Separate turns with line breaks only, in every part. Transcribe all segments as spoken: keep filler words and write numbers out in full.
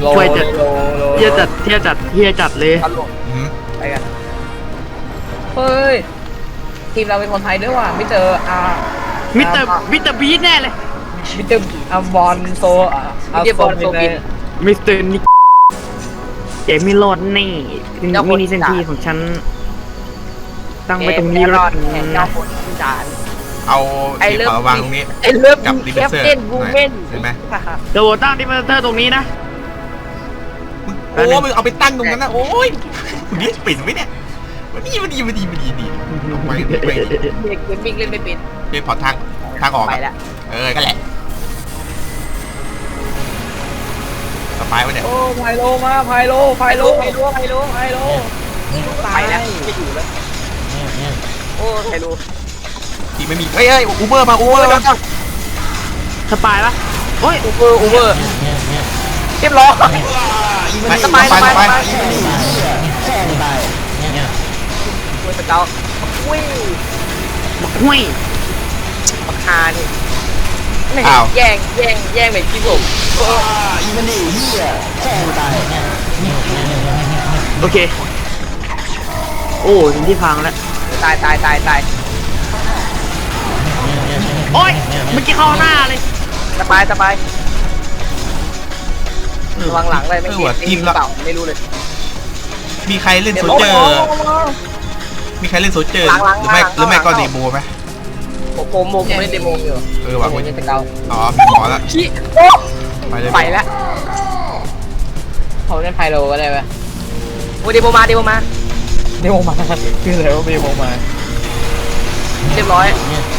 ช่วยจัดเที่ยวจัดเที่ยวจัดเที่ยวจัดเลย
ไปกันเฮ้ยทีมเราเป็นคนไทยด้วยว่ะไม่เจออา
มิสเตอร์มิสเตอร์บีทแน่เลย
มิสเตอร์อาบอลโซอาบอลโซบิน
มิสเตอร์นิกเจมี่โรดนี่มินิเซนทีของฉันตั้งไว้ตรงนี้แล้ว
นะ
เอาที่เป๋าวางตรงนี้
ไอ้เลิฟกับดิเฟเซอร์
เห็นไหม
เดี๋ยวตั้งดิเฟเซอร์ตรงนี้นะ
โอ้มึงเอาไปตั้งตรงนั้นนะโอ้ยคุณนี่ปิดไหมเนี่ยวันนี้วันดีวันดีวันดีดีไปไป
เด็กเกมมิ่งเล่นไม่เป็น
เป็นพอทางทางออก
ไปแล้ว
เออก็แหละสบายวะเนี่ย
โอ้ไพโลมาไพโลไพโลไพโลไพโลไพโลไปแล้วไม่อยู่แล้วโอ้ไพโล
ที่ไม่มีเฮ้ยเฮ้ยอูเบอร์มาอูเบอร์มา
สบายปะ
โอ้ยอูเบอร์อูเบอร์เรียบร้อยสบายสบายสบายโอ้ยสเกลอุ้ย
บักห้วย
บักฮานี่แย่งแย่งแย่งแบบพี่ผม
โอเคโอ้ถึงที่พังแล้ว
ตายตายตายตาย
โอ้ยเมื่อกี้เข้าหน้าเลย
สบายสบายระวังหลังเลยไม่เห็นทีมเปล่าไม่รู้เลย
มีใครเล่นโซเจอร์มีใครเล่นโซเจอร์หรือไม่หรือไม่ก็เดโมไหม
ผมโมผมเล่นเดโมอยู่
เออว่ะ
คุณจะเกา
อ๋อมีหมอแล้ว
ไปเลยไปแล้วเขาเล่นไพโลก็ได้ไหมโอ้เดโมมาเดโมมาเดโมมาคืออะไรว่าเดโมมาเรียบร้อย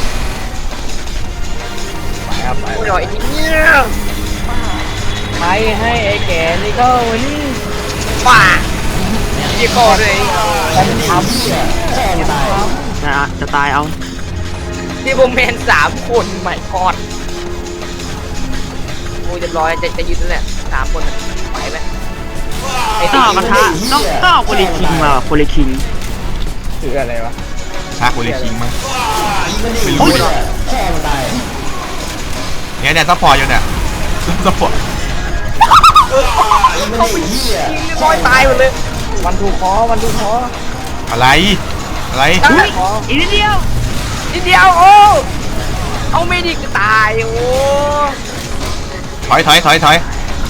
ไปครับไปหน่อยทีนี้ใครให้ไอ้แก่นี่ก็นี่ป่ายี่โก้เลยฉันทำ
จะตายจะตายเอา
ที่โบแมนสามคนใหม่กอดโอ้เรียบร้อยจะจะยืนนั่นแหละสามคนไหวไหม
ไอ้ต่อกระทะต้องต้องเอาโคลิคิงมาโคลิคิง
คืออะไรวะ
ท้าโคลิคิงมั้งไม่รู้เนี่ยเนี่ยซัพพอร์ตอยู่เนี่ยซัพพอร์ต
เขาไปยิงเรียบร้อยตายหมดเลยวันทูคอวันทูคอ
อะไรอะไร
อีกนิดเดียว
นิดเดียวโอ้เอาไม่ดีก็ตายโอ้
ถอยถอยถอยถอย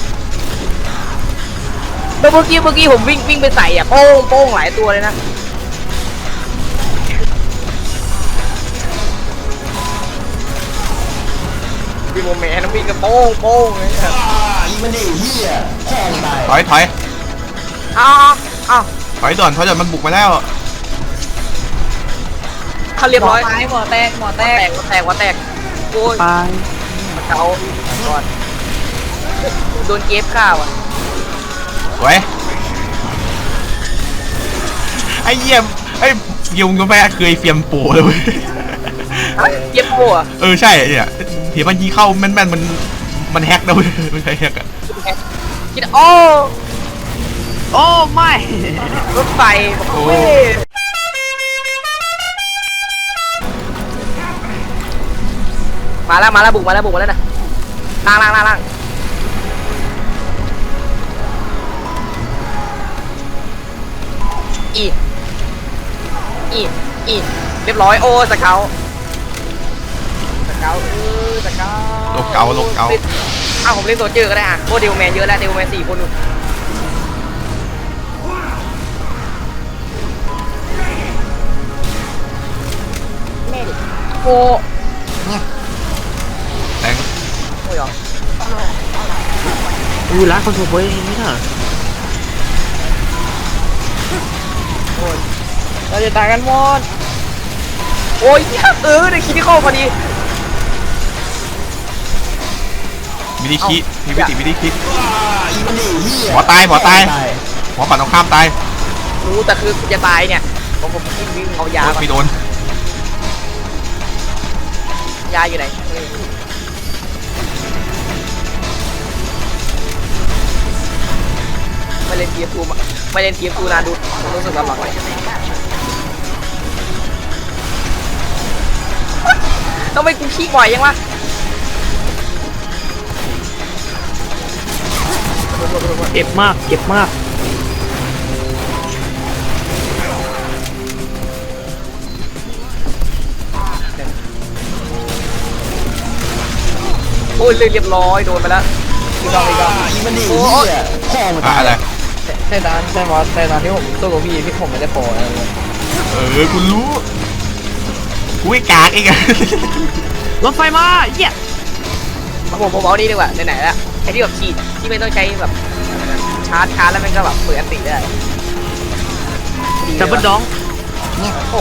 เมื่อกี้เมื่อกี้ผมวิ่งวิ่งไปใส่อ่ะโป้งโป้งหลายตัวเลยนะพี่โมแมนวิ่งกับโป้งโป้งเลย
ถอยถอย
อ้าวอ้าว
ถอยด่วนถอยด่วนมันบุกมาแล้ว
เขาเรียบร้อยหมอแตกหมอแตกหมอแตกหมอแตกโอ้ย
ไป
เจ้าก่อนโดนเก็บข้าวอ่ะ
ไว้ไอ้เยี่ยมไอ้ยุงก็ไม่เคยเฟียมโปเลย
เฟียมโปอ่ะ
เออใช่เนี่ยเถียมันยีเข้าแม่นๆมันมันแฮกนะเว้ยไม่ใช่แฮกอะ
คิดโอ้
โอ้ไม่
รถไฟโอ้มาแล้วมาแล้วบุกมาแล้วบุกมาแล้วนะล่างล่างล่างล่างอีอีอีเรียบร้อยโอ้สเกลสเกลเออสเกล
โลกเกาโลกเกา
อ้าวผมเล่นโซเจอร์ก็ได้อ่ะโอ้เดวแมนเยอะแล้วเดวแมนสี่คนนู่นโอ้
แตง
โอ้ยเหรอ
อู้ร้านคอนโทรเบย์ไม่ใช่
โอ้ยเราจะตายกันหมดโอ้ยเออได้คิดที่เข้าพอดี
มินิคิมีวิธีมินิคิหมอตายหมอตายหมอปั่นตรงข้ามตาย
รู้แต่คือจะตายเนี่ยผมผมวิ่งวิ่งเอายา
ไม่โดน
ยาอยู่ไหนไม่เล่นทีมทูไม่เล่นทีมทูนานดูผมรู้สึกลำบากเลยต้องไปกูขี้บ่อยยังวะ
เจ็บมากเจ็บมาก
โอ้ยเรียบร้อยโดนไปแล้วอีกดอกอีกดอก
มันดี
โอ้
เหี้ยพ่อมัน
อะ
ตาย
อะไร
ใช่ตอนใช่มอสใช่ตอนที่ผมสู้กับพี่พี่ผมไม่ได้โปรอะไรเลย
เออคุณรู้กูไอ้กากเองอะ
รถไฟมาเหี้ย
เอาผมผมเอานี่ดีกว่าไหนๆละไอ้ที่แบบฉีดที่ไม่ต้องใช้แบบชาร์จชาร์จแล้วมันก็แบบเปิดอันติได้
ดับเบิลดอง
โอ้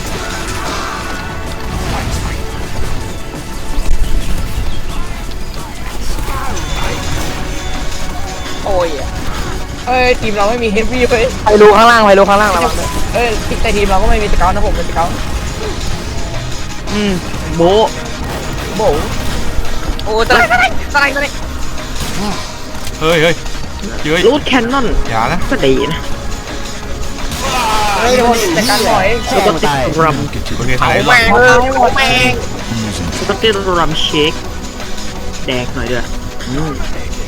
โอ้ยเอ้ยทีมเราไม่มีเฮฟวี่เลยไปดูข้างล่างไปดูข้างล่างระวังด้วยเอ้ยแต่ทีมเราก็ไม่มีสเกลนะผมเป็นสเกล
อืมโบ
โบโอ้ตะไลตะไลตะไลตะไล
เฮ้ยเฮ้ยเฮ้ย
รูดแคนนอน
อย่านะ
ก็ดีนะ
เฮ้ยโดนจัดการหน่อย
พ่อมันตาย
รัม
โอเค
เผา
ถ่าย
แมงเลยเผาแมง
สก็อตติรัมเชคแดกหน่อยด้วยอืม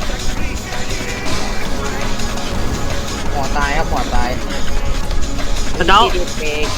หมอตายครับหมอตาย
สเกล
ดีเมก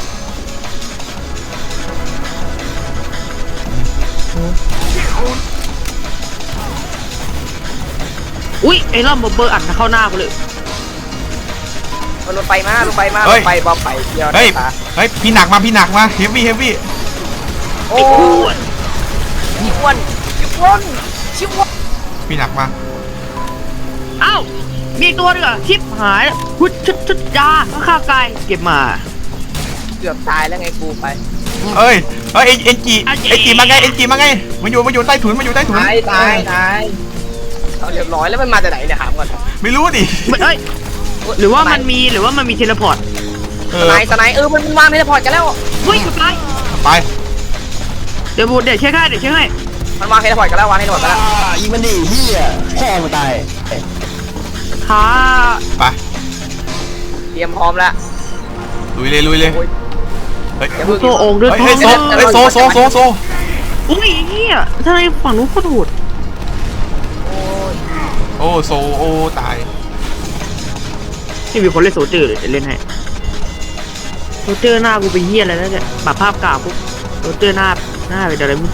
อุ้ยไอ้ล่อมบอเบอร์อัดเข้าหน้ากูเลย
มันลงไปมาลงไปมาลงไปบอมไปเดียว
เฮ้ย
ตา
เฮ้ยพี่หนักมาพี่หนักมาเฮฟวี่เฮฟวี่
โอ้
ไอ้อ้วน
ชิวอนชิวอนชิวอน
พี่หนักมา
เอ้ามีอีกตัวหนึงเหรอชิปหายพุชชุดชุดยาข้าวไก่เก็บมา
เกือบตายแล้วไงกูไป
เอ้ยเอ้ยเอ็นจีเอ็นจีมาไงเอ็นจีมาไงมันอยู่มันอยู่ใต้ถุนมันอยู่ใต้ถุน
ตายตายตายเอาเรียบร้อยแล้วมันมาจากไหนเนี่ยถามก่อน
ไม่รู้ดิ
เอ้ยหรือว่ามันมีหรือว่ามันมีเทเลพอร์ต
เอ
ส
อ
ไนสไนเออมันวางในพอร์ตกันแล้ว
เฮ้ยสุดท้าย
ไป
เดี๋ยวบูเดี๋ยวเช็คให้เดี๋ยวเช็คให้
มันวางในพอร์ตกันแล้ววางในพอร์ตกันแล้ว
อีมันดีเหี้ยพ่อมันตาย
ขา
ไป
เตรียมพร้อมแล้ว
ลุยเลยลุยเลย
โอ้ย
เฮ้ย
อย่าเพิ่ง
โซองค์ด้วย
เฮ้ย
ท้อ
เฮ้ย
ง
โซเฮ้ยโซโซโซโซ
อุ้ยเฮียทำไมฝั่งนู้นโคตรโหด
โอ้ย
โอ้โซโอ้ตาย
นี่มีคนเล่นโซเจอร์เลยเดี๋ยวเล่นให้โซเจอร์หน้ากูเป็นเฮียอะไรแล้วเนี่ยปรับภาพกราบปุ๊บโซเจอร์หน้าหน้าเป็นอะไรมึง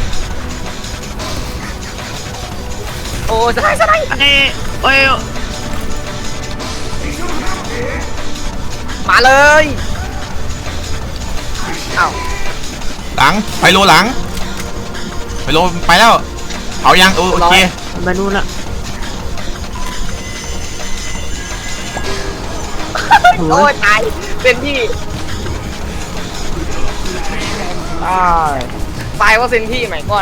โอ้ยสไนสไน
เอ้ยเอ้ย
มาเลยเอ้า
หลังไปโลหลังไปโลไปแล้วเอายังโอโอเค
ไปนู่นละ
โอ้ยตายเป็นที่ตายตายว่าเซนที่ใหม่ก่อน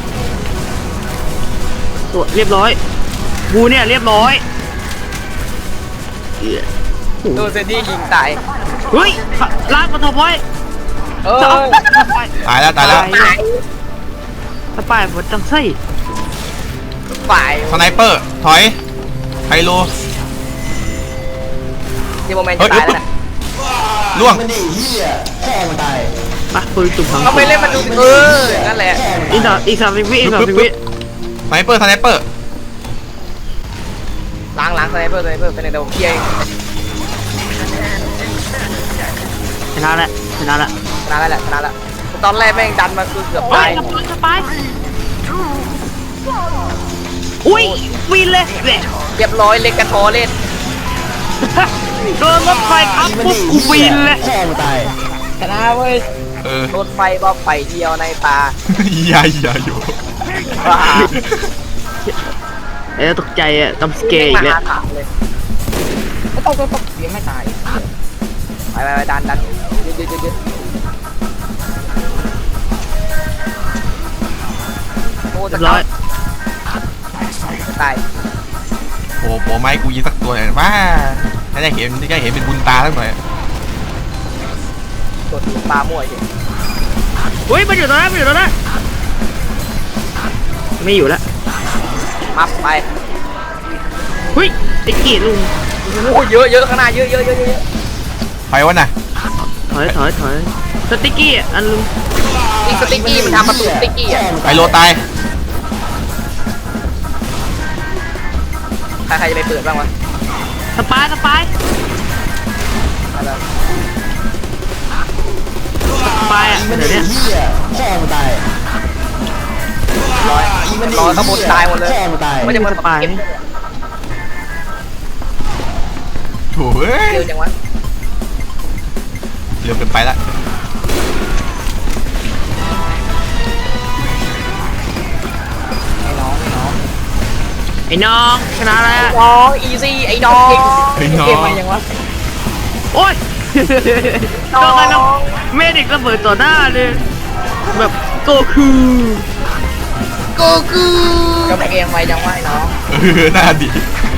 ตัวเรียบร้อยกูเนี่ยเรียบร้อยเหี้ย
โดนเซนที่ยิงตาย
เฮ้ยลากมาทอพอย
เออ
จะเอาสปาย
ตายแล้วตายแล้ว
ตาย
สปายหมดจังไส้
ฝ่าย
สไนเปอร์ถอยไฮโล
ที่โมเมนต์จะตายแล้วนะ
ล่วง
มันดีเหี้ยพ่อมันตาย
ปะปืนตุ่มพัง
เขาไม่เล่นมันดูเออนั่นแหละ
อีกสามอีกสามสิบวิอีกสามสิบวิ
สไนเปอร์สไนเปอร์
ล้างล้างสไนเปอร์สไนเปอร์เป็นในเดาเคียร์
ชนะแล้วชนะแล้ว
ชนะแล้วแหละชนะแล้วตอนแรกแม่งดันมาคือเกือบ
โอ้
ตาย ย
สปายสปายอุ้ยวินเลยแหละ
เรียบร้อยเล็กกระทอเล่น
โดนรถไฟทับ
อีมัน
ปุ๊บ
ดี
กูวินเลย
พ่อมันตาย
ชนะเว้ย
เออ
รถไฟบ้าไปเดียวในตา
อย่าอย่าอยู่
ว้า
เอ้ยตกใจอ่ะจำสเกย์อีกแล้ว
ถามเลยไม่ต้องต้องต้องยังไม่ตายไปไปไปดันดันยึดยึดยึดยึดโอ้
เรี
จะ
ยบร้อย
ตาย
โอ้โหไม้กูยิงสักตัวหน่อยว่าถ้าได้เห็นได้เห็นเป็นบุญตาสักหน่อย
ตัวตีปลามั่วเฉย
เฮ้ยมันอยู่ตรงนั้นมันอยู่ตรงนั้นไม่อยู่แล้ว
มัฟไป
เฮ้ยไอ้เกียลุง
โอ้เยอะเยอะข้างหน้าเยอะเยอะเยอะเยอะ
ไปวะน่ะ
ถอยถอยถอยสติ๊กกี้อ่ะอันลุง
อีกสติ๊กกี้มันทำประตูสติ๊กกี้อ่ะ
ไฮโลตาย
ใครใครจะไปเปิดบ้างวะ
สปายสปายสปายอ่ะ
มัน
เดี๋ยว
ดิ
เนี้ย
เหี้ยพ่อมันตาย
ร้อยร้อยขบวนตายหมดเลย
พ่อมันตาย
ไม่จะมา
สปาย
เก็บ
โถ่เอ้ย
เร็วจังวะ
เร็วเกินไปละ
ไอ้น้องไอ้น้อง
ไอ้น้องชนะอะไรอ่ะ
น้องอีซี่ไอ้น้อง
เฮ้ยน้อ
เกม
ง
มายังวะ
โอ๊ย
น้อง
ก็กันเมดิกระเบิดต่อหน้าเลยแบบโกคูโกคู
ก็เกมมายังวะไอ้น้อง
เออหน้าดี